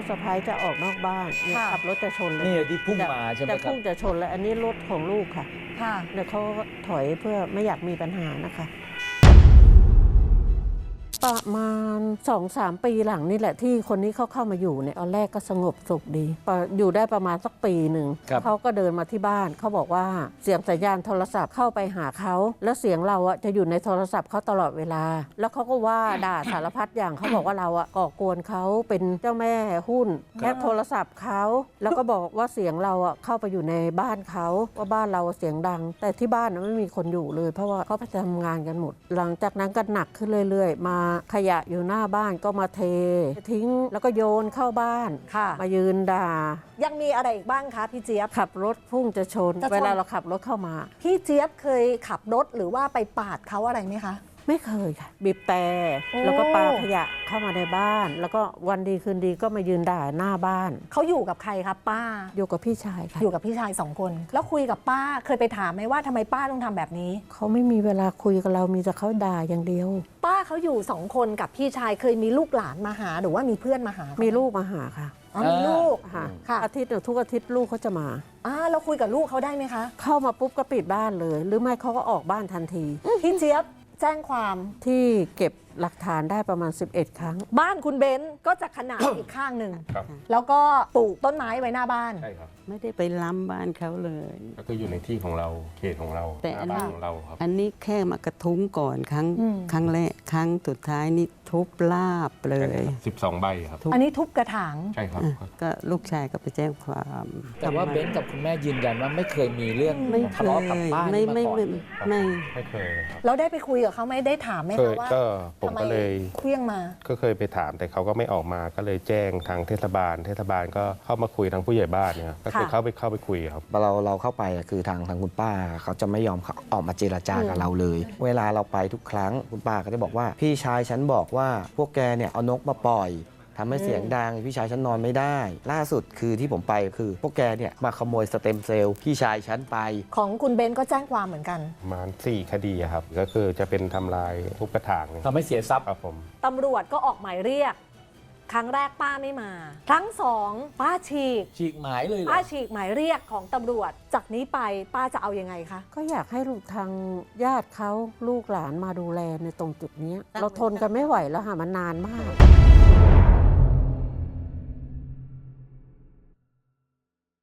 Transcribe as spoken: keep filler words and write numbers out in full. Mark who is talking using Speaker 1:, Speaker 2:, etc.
Speaker 1: กสะใภ้จะออกนอกบ้านเนี่ยขับรถจะชนเลย
Speaker 2: นี่ที่พุ่งมาใช่ไหมครั
Speaker 1: จะ
Speaker 2: บ
Speaker 1: พุ่งจะชนแล้วอันนี้รถของลูกค่ะ
Speaker 3: ค่ะ
Speaker 1: เดี๋ยวเขาถอยเพื่อไม่อยากมีปัญหานะคะประมาณ สองสาม ปีหลังนี่แหละที่คนนี้เขาเข้ามาอยู่เนี่ยตอนแรกก็สงบสุขดีอยู่ได้ประมาณสักปีหนึ่งเขาก็เดินมาที่บ้านเขาบอกว่าเสียงสัญญาณโทรศัพท์เข้าไปหาเขาแล้วเสียงเราอะจะอยู่ในโทรศัพท์เขาตลอดเวลาแล้วเขาก็ว่าด่าสารพัดอย่างเขาบอกว่าเราอะก่อกวนเขาเป็นเจ้าแม่หุ้นแฮ็กโทรศัพท์เขาแล้วก็บอกว่าเสียงเราอะเข้าไปอยู่ในบ้านเขาว่าบ้านเราเสียงดังแต่ที่บ้านไม่มีคนอยู่เลยเพราะว่าเขาไปทำงานกันหมดหลังจากนั้นก็หนักขึ้นเรื่อยๆมาขยะอยู่หน้าบ้านก็มาเททิ้งแล้วก็โยนเข้าบ้านมายืนด่า
Speaker 3: ยังมีอะไรอีกบ้างคะพี่เจี๊ยบ
Speaker 1: ขับรถพุ่งจะชนเวลาเราขับรถเข้ามา
Speaker 3: พี่เจี๊ยบเคยขับรถหรือว่าไปปาดเขาอะไรไหมคะ
Speaker 1: ไม่เคยค่ะบีบแต่แล้วก็ปาขยะเข้ามาในบ้านแล้วก็วันดีคืนดีก็มายืนด่าหน้าบ้าน
Speaker 3: เขาอยู่กับใครครับป้า
Speaker 1: อยู่กับพี่ชายค่ะ
Speaker 3: อยู่กับพี่ชายสองคนแล้วคุยกับป้าเคยไปถามไหมว่าทำไมป้าต้องทำแบบนี้
Speaker 1: เขาไม่มีเวลาคุยกับเรามีแต่เขาด่าอย่างเดียว
Speaker 3: ป้าเขาอยู่สองคนกับพี่ชายเคยมีลูกหลานมาหาหรือว่ามีเพื่อนมาหา
Speaker 1: มีลูกมาหาค่ะ
Speaker 3: มีลูก
Speaker 1: ค่ะอาทิตย์ทุกอาทิตย์ลูกเขาจะมา
Speaker 3: อ่าเราคุยกับลูกเขาได้ไหมคะ
Speaker 1: เข้ามาปุ๊บก็ปิดบ้านเลยหรือไม่เขาก็ออกบ้านทันที
Speaker 3: พี่เจี๊ยบแจ้งความ
Speaker 1: ที่เก็บหลักฐานได้ประมาณสิบเอ็ดครั้ง
Speaker 3: บ้านคุณเบนซ์ก็จะขนาด อีกข้างหนึ่งแล้วก็ปลูกต้นไม้ไว้หน้าบ้าน
Speaker 4: ใช่ครับ
Speaker 5: ไม่ได้ไปล้ำบ้านเขาเลย
Speaker 4: ก็คืออยู่ในที่ของเราเขตของเรา
Speaker 5: แต่
Speaker 4: หน้าบ้านของเราครับ
Speaker 5: อันนี้แค่มากระทุ้งก่อนครั้งครั้งแรกครั้งสุดท้ายนี่ทุบลาบเลย
Speaker 4: สิบสองใบครับ
Speaker 3: อันนี้ทุบกระถาง
Speaker 4: ใช่ครับ
Speaker 5: ก็ลูกชายก็ไปแจ้งความ
Speaker 2: แต่ว่าเบนซ์กับคุณแม่ยืนยันว่าไม่เคยมีเรื่อง
Speaker 5: ไม่เค
Speaker 2: ทะเลาะกับป้า
Speaker 5: ไม่ไม่ไม่ไม่
Speaker 4: ไม่เคยครับ
Speaker 3: เราได้ไปคุยกับเขาไหมได้ถามไหมคะว่า
Speaker 4: ก็ผมก็เลย
Speaker 3: เคลี้ยงมา
Speaker 4: ก็เคยไปถามแต่เขาก็ไม่ออกมาก็เลยแจ้งทางเทศบาลเทศบาลก็เข้ามาคุยทางผู้ใหญ่บ้านเนี่ยก็คือเข้าไปเข้าไปคุยครับ
Speaker 6: เราเราเข้าไปคือทางทางคุณป้าเขาจะไม่ยอมออกมาเจรจากับเราเลยเวลาเราไปทุกครั้งคุณป้าก็จะบอกว่าพี่ชายฉันบอกว่าพวกแกเนี่ยเอานกมาปล่อยทำให้เสียงดังพี่ชายฉันนอนไม่ได้ล่าสุดคือที่ผมไปคือพวกแกเนี่ยมาขโมยสเต็มเซลล์พี่ชายฉันไป
Speaker 3: ของคุณเบนก็แจ้งความเหมือนกัน
Speaker 4: ประมาณสี่คดีครับก็คือจะเป็นทำลายทุบกระถาง
Speaker 2: ทำให้เสียทรัพย์
Speaker 4: ครับผม
Speaker 3: ตำรวจก็ออกหมายเรียกครั้งแรกป้าไม่มาครั้งสองป้าฉีก
Speaker 2: ฉีกหมายเลย
Speaker 3: ป้าฉีกหมายเรียกของตำรวจจากนี้ไปป้าจะเอายังไงคะ
Speaker 1: ก็อยากให้ลูกทางญาติเขาลูกหลานมาดูแลในตรงจุดนี้เราทนกันไม่ไหวแล้วค่ะมันนานมาก